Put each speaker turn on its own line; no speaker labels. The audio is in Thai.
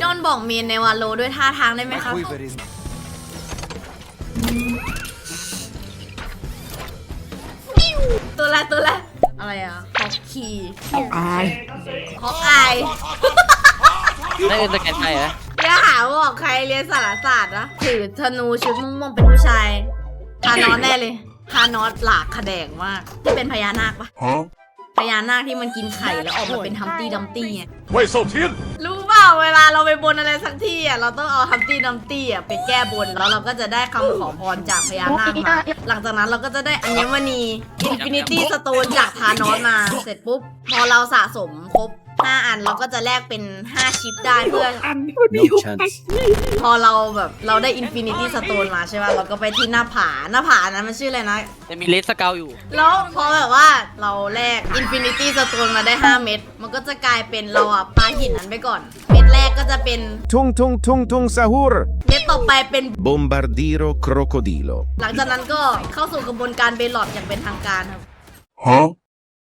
อนบอกเมนในวาโลด้วยท่าทางได้ไหมครับตัวละอะไรอ่ะฮอกคีฮอกอาย
ได้เอ็นสแกนไทยเหรอ
อย่าหาบอกใครเรียนสารศาสตร์นะถือธนูชุดม่วงๆเป็นผู้ชายทานอสแน่เลยทานอสหลากขะแดงมากที่เป็นพญานาคปะพญานาคที่มันกินไข่แล้วออกมาเป็นฮัมตี้ดัมตี้ไง
เว่ยเซาเทียน
รู้เปล่าเวลาเราไปบนอะไรสักที่อ่ะเราต้องเอาฮัมตี้ดัมตี้อ่ะไปแก้บนแล้วเราก็จะได้คำขอพรจากพญานาคมาหลังจากนั้นเราก็จะได้อัญมณีอินฟินิตี้สโตนจากทานอสมาเสร็จปุ๊บพอเราสะสมครบ5 อันเราก็จะแลกเป็น5ชิปได้เพื่อ
No chance
พอเราแบบเราได้อินฟินิตี้สโตนมาใช่ป่ะเราก็ไปที่หน้าผานั้นมันชื่ออะไรนะ
จะมีเลสสเกลอยู่
แล้วพอแบบว่าเราแลกอินฟินิตี้สโตนมาได้5 เม็ดมันก็จะกลายเป็นเราอ่ะปาหินนั้นไปก่อน เม็ดแรกก็จะเป็น
Tung tung tung tung sahur.
เม็ดต่อไปเป็น
Bombardiro crocodilo.
หลังจากนั้นก็เข้าสู่กระบวนการเบลลอดอย่างเป็นทางการครับ
ฮะ